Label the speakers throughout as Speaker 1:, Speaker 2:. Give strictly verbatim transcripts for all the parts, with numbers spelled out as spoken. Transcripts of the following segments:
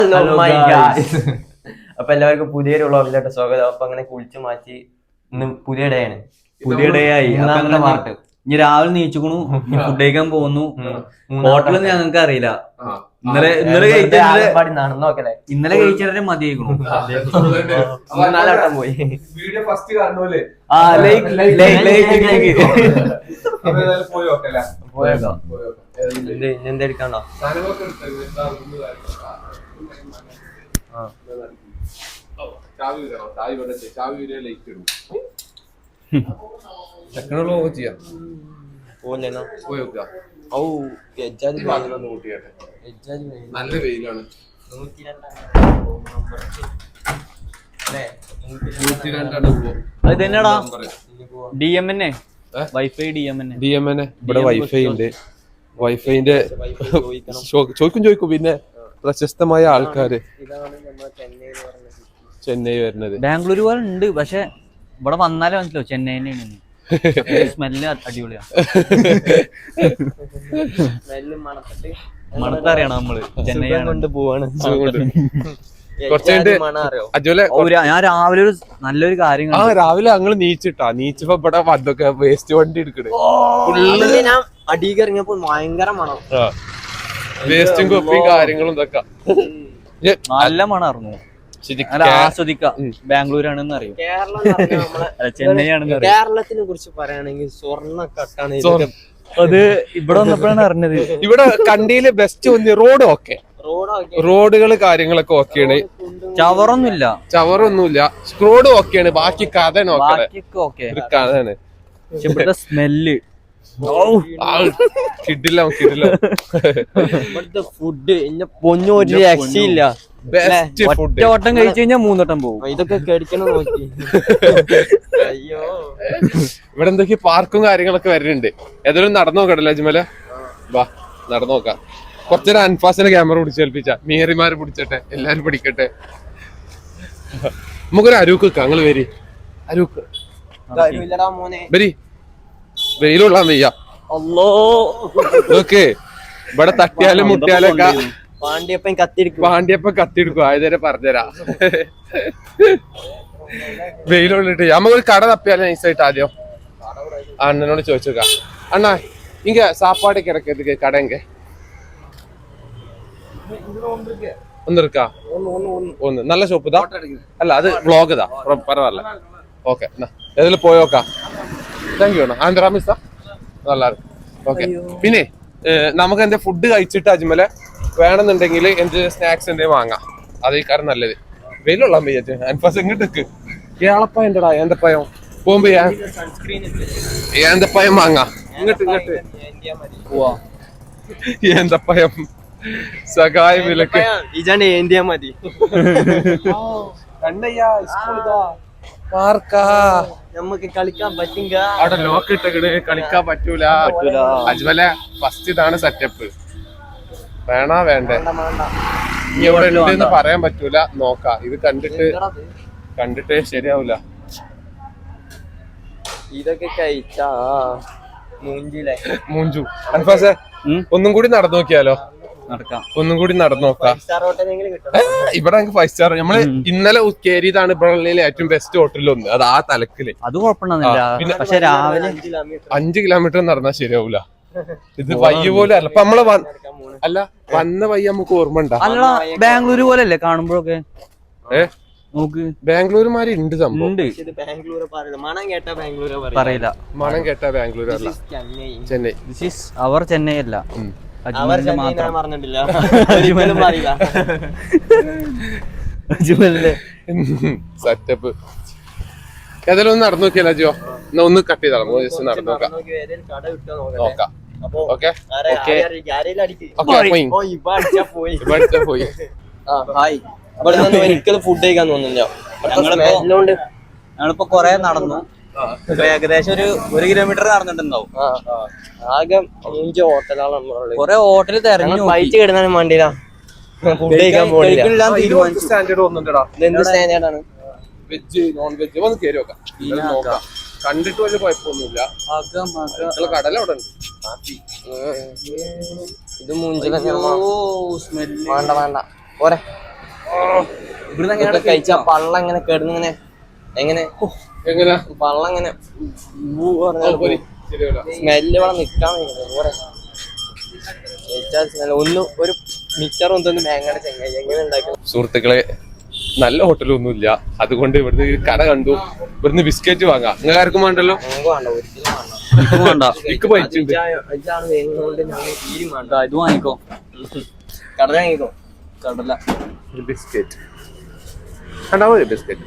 Speaker 1: അപ്പൊ എല്ലാവർക്കും പുതിയൊരു വ്ളോഗിലോട്ട് സ്വാഗതം. അപ്പൊ അങ്ങനെ കുളിച്ചു മാറ്റി ഇന്ന് പുതിയ ഡേ ആണ്,
Speaker 2: പുതിയ ഡേ ആയി. പാർട്ട് ഇനി രാവിലെ നീച്ചുക്കണു, ഫുഡ് കഴിക്കാൻ പോകുന്നു. ഹോട്ടലൊന്നും ഞങ്ങൾക്ക് അറിയില്ല. ഇന്നലെ ഇന്നലെ
Speaker 1: നടന്നോക്കല്ലേ,
Speaker 2: ഇന്നലെ കഴിച്ചാലേ മതിയായിക്കണു.
Speaker 1: നാലാട്ടം പോയി.
Speaker 2: ആ ലൈക്ക് ലൈക്ക് ലൈക്ക്
Speaker 1: പോയേക്കാം. എന്തെടുക്കാണോ?
Speaker 3: നല്ല വെയിലാണ്.
Speaker 2: അത് തന്നെയാടാ D M N A wifi D M N
Speaker 3: D M N A ഇവിടെ വൈഫൈ ഉണ്ട്. വൈഫൈന്റെ ചോദിക്കും ചോദിക്കും പിന്നെ പ്രശസ്തമായ ആൾക്കാര് ചെന്നൈ വരുന്നത്.
Speaker 2: ബാംഗ്ലൂർ പോലെ ഉണ്ട്, പക്ഷെ ഇവിടെ വന്നാലേ മനസ്സിലാവും ചെന്നൈ തന്നെയാണ്. സ്മെല്ല് അടിപൊളിയാണ്. മണത്തറിയണം നമ്മള് ചെന്നൈ കൊണ്ട് പോവാണ്. ഞാൻ രാവിലെ ഒരു നല്ലൊരു കാര്യം
Speaker 3: ആ രാവിലെ ഞങ്ങള് നീച്ചിട്ടാ നീച്ചപ്പോ ഇവിടെ വന്നൊക്കെ വേസ്റ്റ് വണ്ടി എടുക്കണേ.
Speaker 1: ഞാൻ അടിയിൽ ഇറങ്ങിയപ്പോ ഭയങ്കര മണം,
Speaker 3: വേസ്റ്റും കൊപ്പിയും കാര്യങ്ങളും ഇതൊക്കെ
Speaker 2: നല്ല മണമായിരുന്നു. ആസ്വദിക്കാം. ബാംഗ്ലൂരാണെന്ന് അറിയും, ചെന്നൈ ആണെന്ന് അറിയാം.
Speaker 1: കേരളത്തിനെ കുറിച്ച് പറയുകയാണെങ്കിൽ സ്വർണ്ണക്കട്ടാണ്
Speaker 2: അത് ഇവിടെ വന്നപ്പോഴാണ് അറിഞ്ഞത്.
Speaker 3: ഇവിടെ കണ്ടിയില് ബെസ്റ്റ് വന്ന് റോഡ് ഓക്കെ, റോഡുകള് കാര്യങ്ങളൊക്കെ ഓക്കെയാണ്.
Speaker 2: ചവറൊന്നുമില്ല,
Speaker 3: ചവറൊന്നുമില്ല, റോഡ് ഓക്കെയാണ്. ബാക്കി കഥ കഥയാണ്.
Speaker 2: പക്ഷെ ഇവിടുത്തെ സ്മെല്ല്
Speaker 3: കിട്ടില്ല കിട്ടില്ല.
Speaker 1: ഇവിടുത്തെ ഫുഡ് പൊന്നു ഒരു രക്ഷയില്ല.
Speaker 2: ഒറ്റ വട്ടം കഴിച്ചു കഴിഞ്ഞാൽ മൂന്നോട്ടം പോകും.
Speaker 1: ഇതൊക്കെ കഴിക്കണം നോക്കി. അയ്യോ,
Speaker 3: ഇവിടെ എന്തൊക്കെ പാർക്കും കാര്യങ്ങളൊക്കെ വരുന്നുണ്ട്. ഏതായാലും നടന്നു നോക്കട്ടല്ലേ അജ്മല? വാ നടന്നു നോക്കാം. കുറച്ചേരം അൻഫാസിനെ ക്യാമറ പിടിച്ചേൽപ്പിച്ച മീറിമാര് പിടിച്ചട്ടെ, എല്ലാരും പിടിക്കട്ടെ. നമുക്കൊരു അരൂക്ക് വെക്കാം. ഞങ്ങള് വരി അരൂക്ക് വരി. വെയിലുള്ള വയ്യ. ഓക്കെ, ഇവിടെ തട്ടിയാലും മുട്ടിയാലൊക്കെ
Speaker 1: പാണ്ഡ്യപ്പൻ കത്തിരിക്കും.
Speaker 3: പാണ്ഡ്യപ്പൻ കത്തിയെടുക്കും. ആയതരെ പറഞ്ഞുതരാ. വെയിലുള്ളിട്ട് നമുക്കൊരു കട തപ്പിയാലും നൈസായിട്ട് ആദ്യം അണ്ണനോട് ചോദിച്ചേക്കാം. അണ്ണാ ഇങ്ങ സാപ്പാട് കിടക്കതുക്ക് കടങ്ക ഒന്നിരിക്കാ ഒന്ന് നല്ല ഷോപ്പ് ഇതാ. അല്ല അത് വ്ളോഗ് ഇതാ, പരവാല്ല. ഓക്കെ ഏതെങ്കിലും പോയോക്കാം. താങ്ക് യു അണ്ണാ. ആന്ധ്രാമിസ നല്ല. ഓക്കെ, പിന്നെ നമുക്ക് എന്താ ഫുഡ് കഴിച്ചിട്ട് അജ്മല വേണമെന്നുണ്ടെങ്കിൽ എന്ത് സ്നാക്സ് എന്തെങ്കിലും വാങ്ങാം. അതേക്കാരം നല്ലത്. വെയിലുള്ള പയ്യറ്റ് അൻഫാസ് ഇങ്ങോട്ടേക്ക് ഏളപ്പായ ഉണ്ടടാ. ഏന്തപ്പായം പോകുമ്പോ ഏന്തപ്പായം വാങ്ങാം. ഇങ്ങോട്ട് ഇങ്ങോട്ട് ഏന്തപ്പായം സഹായ വിലക്ക്
Speaker 1: ഇജാണ്ട് ഏന്ത്യ മതി.
Speaker 3: പാർക്കാ
Speaker 1: നമുക്ക് കളിക്കാൻ പറ്റുക.
Speaker 3: അവിടെ ലോക്ക് ഇട്ടേ കളിക്കാൻ പറ്റൂല. അജ്മല ഫസ്റ്റ് ഇതാണ് സെറ്റപ്പ്. വേണാ വേണ്ടേ? ഇനി എവിടെ ഉണ്ടെന്ന് പറയാൻ പറ്റൂല. നോക്കാം. ഇത് കണ്ടിട്ട് കണ്ടിട്ട് ശരിയാവൂല.
Speaker 1: ഇതൊക്കെ കഴിച്ചാ മൂഞ്ചിലെ
Speaker 3: മൂഞ്ചു. അൻഫാസെ ഒന്നും കൂടി നടന്നു നോക്കിയാലോ?
Speaker 2: നടക്കാം.
Speaker 3: ഒന്നും കൂടി നടന്നു നോക്കാം. ഇവിടെ നമുക്ക് ഫൈവ് സ്റ്റാർ. നമ്മള് ഇന്നലെ കയറിയതാണ് ഇവിടെ ഏറ്റവും ബെസ്റ്റ് ഹോട്ടലിൽ ഒന്ന്. അത് ആ തലക്കില്
Speaker 2: അത് കുഴപ്പമില്ല. പക്ഷെ രാവിലെ
Speaker 3: അഞ്ചു കിലോമീറ്റർ നടന്നാൽ ശരിയാവൂല. ഇത് വയ്യ പോലെ അല്ല. അപ്പൊ നമ്മള് അല്ല വന്ന വയ്യ നമുക്ക് ഓർമ്മ ഉണ്ടാ.
Speaker 2: അല്ല ബാംഗ്ലൂര് പോലെ അല്ലേ കാണുമ്പോഴൊക്കെ?
Speaker 3: ഏ
Speaker 2: നോക്ക്,
Speaker 3: ബാംഗ്ലൂരുമാരി ഉണ്ട് സംഭവം.
Speaker 2: പറയില്ല.
Speaker 3: മണം കേട്ടാ ബാംഗ്ലൂർ അല്ല, Chennai.
Speaker 2: This is our Chennai അല്ല.
Speaker 3: സെറ്റപ്പ്. ഏതായാലും ഒന്ന് നടന്നു നോക്കിയല്ലോ ജിയോ. എന്നാ ഒന്ന് കട്ട് ചെയ്താൽ ജസ്റ്റ് നടന്നു നോക്കാം. നോക്കാം. ഓക്കെ പോയി.
Speaker 1: ഒരിക്കലും ഫുഡ് കഴിക്കാൻ തോന്നുന്നില്ല.
Speaker 2: ഞങ്ങളിപ്പോ കൊറേ നടന്നു. ഏകദേശം ഒരു ഒരു കിലോമീറ്റർ നടന്നിട്ടുണ്ടാവും.
Speaker 1: ആകെ അഞ്ച് ഹോട്ടലാണ്.
Speaker 2: കൊറേ ഹോട്ടല് തെരഞ്ഞു
Speaker 1: പൈറ്റ് കിടന്നാലും വേണ്ടില്ല. ഫുഡ് കഴിക്കാൻ പോകില്ല.
Speaker 3: സ്റ്റാൻഡേർഡ് ഒന്നുണ്ടടാ.
Speaker 1: എന്ത് സ്റ്റാൻഡേർഡാണ്?
Speaker 3: വെജ് നോൺ വെജ് ഒന്ന് കയറി നോക്കാം. കണ്ടിട്ട് വലിയ കുഴപ്പമൊന്നുമില്ല. കടല അവിടെ ഉണ്ട്.
Speaker 1: ഇത് മൂഞ്ചില വേണ്ട വേണ്ട പോരെ.
Speaker 2: ഇവിടുന്ന്
Speaker 1: കഴിച്ച പള്ള എങ്ങനെ കേടുന്നിങ്ങനെ എങ്ങനെ
Speaker 3: എങ്ങനെ
Speaker 1: പള്ള എങ്ങനെ സ്മെല്ല് ഇവിടെ നിക്കാൻ സ്മെല് ഒന്നും ഒരു മിച്ചറും എന്തൊന്നും മേങ്ങയുടെ ചെങ്ങായി എങ്ങനെ ഉണ്ടാക്കണം.
Speaker 3: സുഹൃത്തുക്കളെ നല്ല ഹോട്ടലൊന്നുമില്ല, അതുകൊണ്ട് ഇവിടുന്ന് കട കണ്ടു, ഇവിടുന്ന് ബിസ്ക്കറ്റ് വാങ്ങാം. നിങ്ങൾ ആർക്കും വേണ്ടല്ലോ?
Speaker 1: ഞങ്ങൾക്ക് വേണ്ട, ഒരിക്കലും വേണ്ട.
Speaker 3: എനിക്ക് പൈച്ചുണ്ട്.
Speaker 1: ഇതാണ് വേങ്ങുന്നതുകൊണ്ട് ഞങ്ങൾ തീരും വേണ്ട.
Speaker 2: ഇത് വാങ്ങിക്കോ,
Speaker 1: കടല വാങ്ങിക്കോ.
Speaker 2: കടല
Speaker 3: ബിസ്ക്കറ്റ് ഉണ്ടാവും, ബിസ്ക്കറ്റ്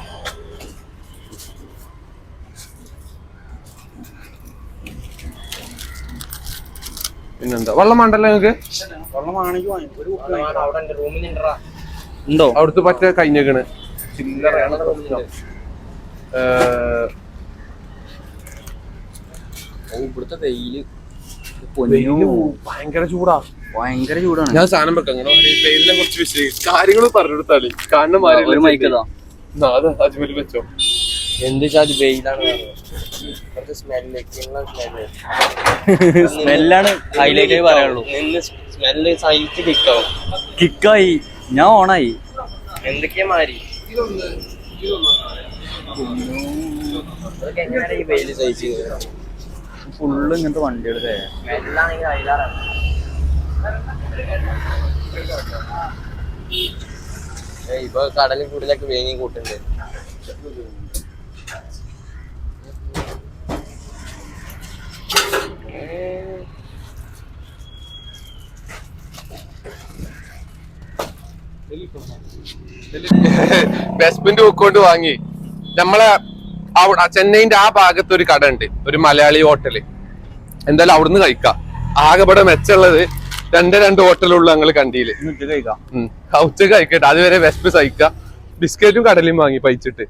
Speaker 3: പിന്നെന്താ വെള്ളം വേണ്ടല്ലോ നിങ്ങക്ക്?
Speaker 2: വെള്ളം വാങ്ങിക്കോ, ഒരു
Speaker 1: അവിടെ എന്റെ റൂമിലുണ്ടാ
Speaker 2: ഉണ്ടോ?
Speaker 3: അവിടുത്തെ പറ്റ കഴിഞ്ഞേക്കണ്.
Speaker 2: ഇവിടുത്തെ വെയില്
Speaker 3: ഭയങ്കര ചൂടാ,
Speaker 2: ഭയങ്കര ചൂടാണ്.
Speaker 3: ഞാൻ സാധനം വെക്കാം വെയിലിനെ കുറിച്ച് വിശദീകരിച്ച് കാര്യങ്ങൾ പറഞ്ഞെടുത്താളി കാണുന്ന
Speaker 2: മൈക്കതാ
Speaker 3: അജ്മല് വെച്ചോ.
Speaker 1: എന്ത് ചാതി വെയിലാണ്, സ്മെല്ല്
Speaker 2: സ്മെല്ലാണ് ഹൈലൈറ്റ് ആയി പറയാനുള്ളൂ.
Speaker 1: നിന്ന് സ്മെല്ല് സഹിച്ച് കിക്കാവും.
Speaker 2: കിക്കായി, ഞാൻ ഓണായി.
Speaker 1: എന്തൊക്കെയാ മാറി എങ്ങനെയാണ് ഈ വെയില് സഹിച്ച്
Speaker 2: ഫുള്ള് ഇങ്ങനത്തെ വണ്ടികളുടെ
Speaker 1: സ്മെല്ലാണെങ്കിൽ അതിലാറാണ്. ഇപ്പൊ കടലും കൂടുതലൊക്കെ വേങ്ങി കൂട്ടുണ്ട്.
Speaker 3: ബെസ്മെന്റ് ബുക്കോണ്ട് വാങ്ങി. നമ്മളെ അവിടെ ചെന്നൈന്റെ ആ ഭാഗത്ത് ഒരു കട ഉണ്ട്, ഒരു മലയാളി ഹോട്ടല്. എന്തായാലും അവിടുന്ന് കഴിക്കാം. ആകെപ്പെടെ മെച്ചുള്ളത് രണ്ട് രണ്ട് ഹോട്ടലുള്ള ഞങ്ങള് കണ്ടിയില്.
Speaker 2: കഴിക്കാം,
Speaker 3: ഉച്ചക്ക് കഴിക്കട്ടെ, അതുവരെ വെസ്പ് സഹിക്കാം. ബിസ്ക്കറ്റും കടലയും വാങ്ങി പൈച്ചിട്ട്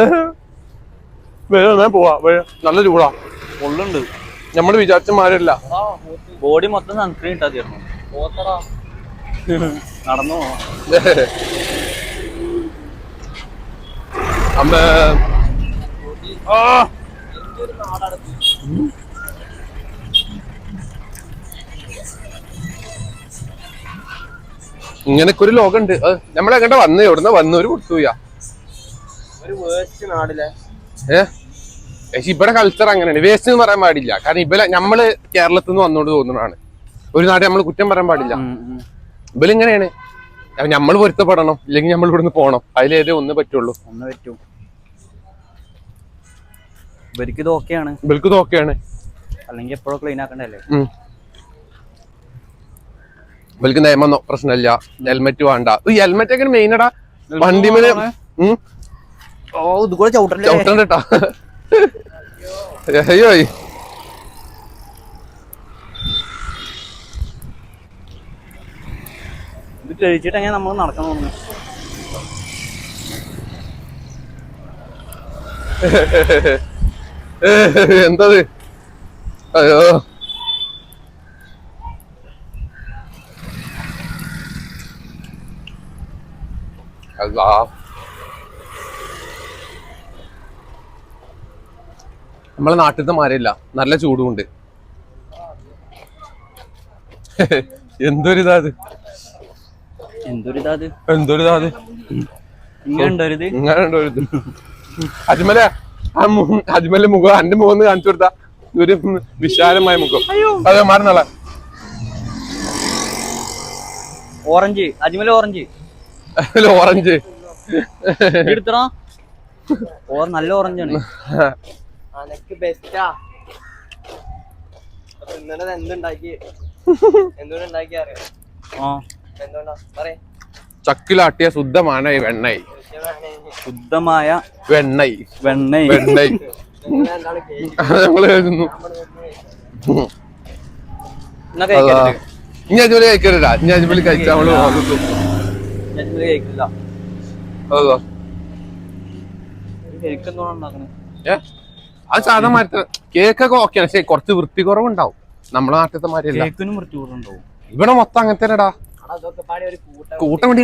Speaker 3: പോവാ. നല്ല ചൂടാ,
Speaker 2: ഫുള്ളുണ്ട്.
Speaker 3: നമ്മള് വിചാരിച്ച മാരല്ല.
Speaker 2: ബോഡി മൊത്തം സൺസ്ക്രീൻ ഇട്ടാ തീർന്നു. നടന്നു
Speaker 3: അമ്മ ഇങ്ങനൊക്കെ ഒരു ലോകമുണ്ട്. നമ്മളെങ്ങോട്ടാ വന്ന് എവിടുന്ന വന്ന് ഒരു കൊടുത്തുപോയാ
Speaker 1: ഒരു വേസ്റ്റ് നാടിലെ
Speaker 3: ഏഹ് പക്ഷെ ഇവിടെ കൾച്ചർ അങ്ങനെയാണ്. വേസ്റ്റ് എന്ന് പറയാൻ പാടില്ല, കാരണം ഇവലെ നമ്മള് കേരളത്തിൽ നിന്ന് വന്നോണ്ട് തോന്നുന്നതാണ്. ഒരു നാട് നമ്മൾ കുറ്റം പറയാൻ പാടില്ല. ഇവലിങ്ങനെയാണ്, നമ്മൾ പൊരുത്തപ്പെടണം, ഇല്ലെങ്കിൽ നമ്മൾ ഇവിടുന്ന് പോകണം. അതിലേതേ ഒന്ന് പറ്റുള്ളൂ.
Speaker 2: ഒന്ന് പറ്റൂ. ഇവർക്ക് ഇത് ഓക്കെയാണ്,
Speaker 3: ഇവർക്ക് ഇത് ഓക്കെയാണ്.
Speaker 2: അല്ലെങ്കിൽ എപ്പോഴും ക്ലീൻ ആക്കണ്ടല്ലേ.
Speaker 3: ഇവർക്ക് നിയമം പ്രശ്നമില്ല, ഹെൽമെറ്റ് വേണ്ട. ഈ ഹെൽമെറ്റ് ഒക്കെ മെയിനടാ വണ്ടി മേലെ
Speaker 2: ഓ ഇത് കൂടെ ചവിട്ടണ്ടേ
Speaker 3: ചവിട്ടണ്ടട്ടാ. അയ്യോ
Speaker 2: ഇത് കഴിച്ചിട്ട് എങ്ങനെ നമ്മൾ നടക്കാൻ തോന്നുന്നു.
Speaker 3: എന്തത്? അയ്യോ അല്ലാ, നമ്മളെ നാട്ടിലത്തെ മാരല്ല, നല്ല ചൂടുമുണ്ട്. എന്തൊരിതാ അത്,
Speaker 2: എന്തൊരിതാ അത്,
Speaker 3: എന്തൊരിതാ അത്.
Speaker 2: ഇങ്ങനെ ഉണ്ടോരുത്,
Speaker 3: ഇങ്ങനെ ഉണ്ടോരുത്. അജ്മലെ അജ്മലെ മുഖം എന്റെ മുഖം കാണിച്ചു കൊടുത്താ ഒരു വിശാലമായ മുഖം. അതെ മാറുന്നാളെ
Speaker 2: ഓറഞ്ച്, അജ്മൽ ഓറഞ്ച്
Speaker 3: ഓറഞ്ച്
Speaker 2: എടുത്തടാ. ഓർ നല്ല ഓറഞ്ചാണ്.
Speaker 1: അനക്ക് ബെസ്റ്റാ. ഇന്നലെ എന്തുണ്ടാക്കി എന്തുകൊണ്ടുണ്ടാക്കി അറിയാം? എന്തുകൊണ്ടാ പറയേ?
Speaker 3: ചക്കിലാട്ടിയ ശുദ്ധമാണ് വെണ്ണയ്,
Speaker 2: ശുദ്ധമായ
Speaker 3: വെണ്ണയ്
Speaker 2: വെണ്ണയ്
Speaker 3: വെണ്ണയ് ഞങ്ങള് കഴിക്കുന്നു. ഇനി അജ്മല് കഴിക്കരുതാ, ഇനി അജ്മല് കഴിച്ചാ നമ്മള്
Speaker 2: കഴിക്കില്ല.
Speaker 3: അതോ ഏ അത് സാധാ മാറ്റ കേക്കൊക്കെ ഓക്കെയാണ്, പക്ഷെ കുറച്ച് വൃത്തി കുറവുണ്ടാവും. നമ്മളെ നാട്ടിലത്തെ മാതിരിയല്ല.
Speaker 2: കേക്കിനും വൃത്തി കുറവുണ്ടാവും.
Speaker 3: ഇവിടെ മൊത്തം അങ്ങനെ തന്നെടാ. കൂട്ടം വേണ്ടി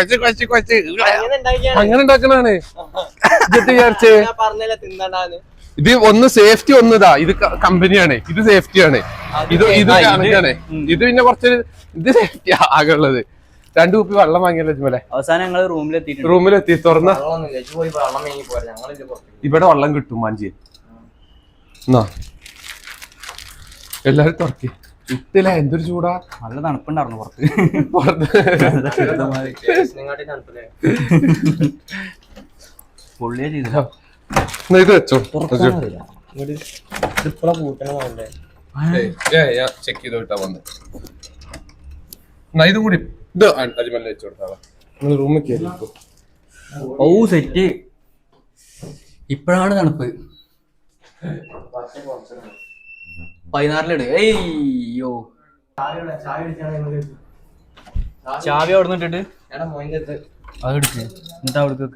Speaker 3: അങ്ങനെ ഉണ്ടാക്കണാണ്. വിചാരിച്ചേ
Speaker 1: പറഞ്ഞല്ലേ തിന്നണ്ടാന്ന്.
Speaker 3: ഇത് ഒന്ന് സേഫ്റ്റി ഒന്നിതാ, ഇത് കമ്പനിയാണ്, ഇത് സേഫ്റ്റിയാണ്, ഇത് ഇത് കണക്കാണ്, ഇത് പിന്നെ കുറച്ച് ഇത് സേഫ്റ്റി ആകെ ഉള്ളത്. രണ്ടു കുപ്പി വെള്ളം വാങ്ങിയല്ലോ അജ്മലെ.
Speaker 2: അവസാനം ഞങ്ങൾ റൂമിലെത്തി
Speaker 3: റൂമിലെത്തി തുറന്ന ഇവിടെ വെള്ളം കിട്ടും മാഞ്ചി. എന്നാ എല്ലാരും തുറക്കി. ഇട്ടില്ല, എന്തൊരു ചൂടാ,
Speaker 2: നല്ല തണുപ്പുണ്ടായിരുന്നു പുറത്ത്. പൊള്ളിയ ചെയ്ത
Speaker 3: ഇത് വെച്ചോ, ചെക്ക് ചെയ്ത് വിട്ടാ വന്ന്. ഇതും കൂടി ഇത് അജ്മലിന് വെച്ചു കൊടുത്താളാ. നിങ്ങൾ റൂമിൽ കയറി.
Speaker 2: ഓ സെറ്റ്. ഇപ്പഴാണ് തണുപ്പ്. പതിനാറിലിട്. ഏയ്യോ ചാവി അവിടെ നിന്നിട്ട് അത് എടുക്ക്. എന്നിട്ട് അവിടേക്ക്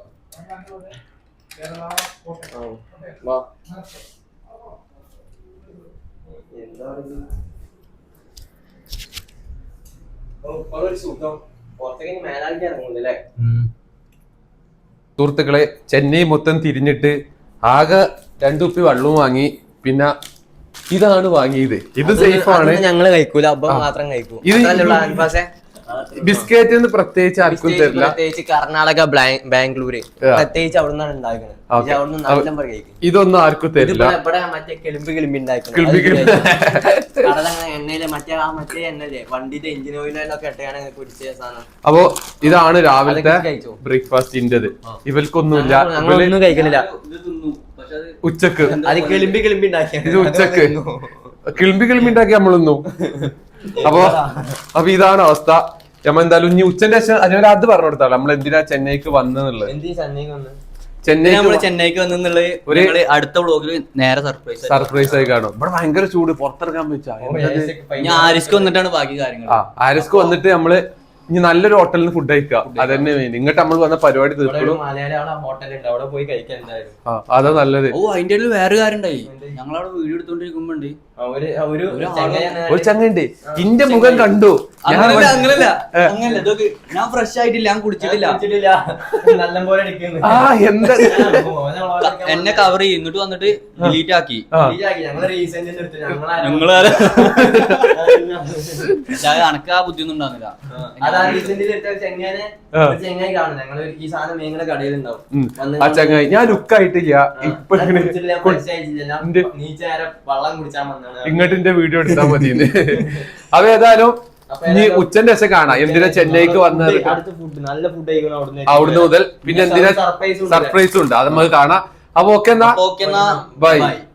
Speaker 3: സുഹൃത്തുക്കളെ, ചെന്നൈ മൊത്തം തിരിഞ്ഞിട്ട് ആകെ രണ്ടു കുപ്പി വെള്ളവും വാങ്ങി. പിന്നെ ഇതാണ് വാങ്ങിയത്. ഇത് സേഫ് ആണ്,
Speaker 1: ഞങ്ങള് കഴിക്കൂല, അപ്പം മാത്രം കഴിക്കും.
Speaker 3: ബിസ്ക്കറ്റ് എന്ന് പ്രത്യേകിച്ച് ആർക്കും തരില്ല.
Speaker 1: പ്രത്യേകിച്ച് കർണാടക, ബാംഗ്ലൂര് പ്രത്യേകിച്ച് അവിടെ നിന്നാണ് ഉണ്ടാക്കുന്നത്.
Speaker 3: ഇതൊന്നും ആർക്കും തരില്ല.
Speaker 1: ഇവിടെ മറ്റേ കിളിമ്പ് കിളിമ്പി ഉണ്ടാക്കുന്നത് എണ്ണയില് മറ്റേ ആ മറ്റേ എണ്ണല്ലേ വണ്ടിന്റെ എഞ്ചിൻ ഓയിലൊക്കെ ഇട്ടാണ് കുടിച്ച സാധനം.
Speaker 3: അപ്പൊ ഇതാണ് രാവിലത്തെ ബ്രേക്ക്ഫാസ്റ്റിൻ്റെത്. ഇവർക്കൊന്നുമില്ല,
Speaker 1: ഞങ്ങളൊന്നും കഴിക്കണില്ല.
Speaker 3: ഉച്ചക്ക്
Speaker 1: അത് കിളിമ്പി കിളിമ്പി ഉണ്ടാക്കിയ
Speaker 3: ഇത് ഉച്ചക്ക് കിളിമ്പി കിളിമ്പി ഉണ്ടാക്കി നമ്മളൊന്നു. അപ്പൊ അപ്പൊ ഇതാണ് അവസ്ഥ. നമ്മ എന്തായാലും ഇനി ഉച്ചന്റെ ശേഷം അതിനൊരു അത് പറഞ്ഞു കൊടുത്താലോ നമ്മൾ എന്തിനാ ചെന്നൈക്ക് വന്നെന്നുള്ളത്.
Speaker 2: ചെന്നൈ ചെന്നൈക്ക് വന്നുള്ളത് അടുത്ത വ്ളോഗിൽ നേരെ സർപ്രൈസ്
Speaker 3: സർപ്രൈസ് ആയി കാണും. ഇവിടെ ഭയങ്കര ചൂട്, പുറത്തിറങ്ങാൻ വെച്ചാ.
Speaker 2: ഞാൻ ആരിസ്ക്ക് വന്നിട്ടാണ് ബാക്കി കാര്യങ്ങൾ.
Speaker 3: ആ ആരിസ്ക്ക് വന്നിട്ട് നമ്മള് ഇനി നല്ലൊരു ഹോട്ടലിൽ നിന്ന് ഫുഡ് കഴിക്കുക. അതന്നെ മെയിൻ. ഇങ്ങോട്ട് നമ്മൾ വന്ന പരിപാടി തീർക്കണം. അതാ നല്ലത്.
Speaker 2: ഓ അതിന്റെ ഇടയിൽ വേറെ കാര്യം ഉണ്ടായി. ഞങ്ങളവിടെ വീഡിയോ എടുത്തോണ്ടിരിക്കുമ്പോണ്ട്
Speaker 3: ഒരു ചങ്ങണ്ട് ഇന്റെ മുഖം കണ്ടു.
Speaker 2: അങ്ങനല്ല അങ്ങനല്ല അങ്ങനല്ല ഇതൊക്കെ ഞാൻ ഫ്രഷ് ആയിട്ടില്ല, ഞാൻ കുടിച്ചിട്ടില്ല.
Speaker 3: ആ എന്താ
Speaker 2: എന്നെ കവർ ചെയ്യും, എന്നിട്ട് വന്നിട്ട് ഡിലീറ്റ് ആക്കി. നിങ്ങള് അനക്ക് ആ ബുദ്ധിയൊന്നും ഉണ്ടാകുന്നില്ല.
Speaker 3: ആ ചങ്ങായി ഞാൻ ലുക്കായിട്ടില്ല ഇപ്പൊ ഇങ്ങോട്ട് എന്റെ വീഡിയോ എടുത്താൽ മതി. അപ്പൊ ഏതായാലും ഇനി ഉച്ചന്റെ ശേഷം കാണാം എന്തിനാ ചെന്നൈക്ക് വന്നത് അവിടുന്ന് മുതൽ. പിന്നെ എന്തിനാ സർപ്രൈസും ഉണ്ട്, അത് നമുക്ക് കാണാം. അപ്പൊ ഓക്കെ എന്നാ,
Speaker 2: ഓക്കെ എന്നാ
Speaker 3: ബൈ.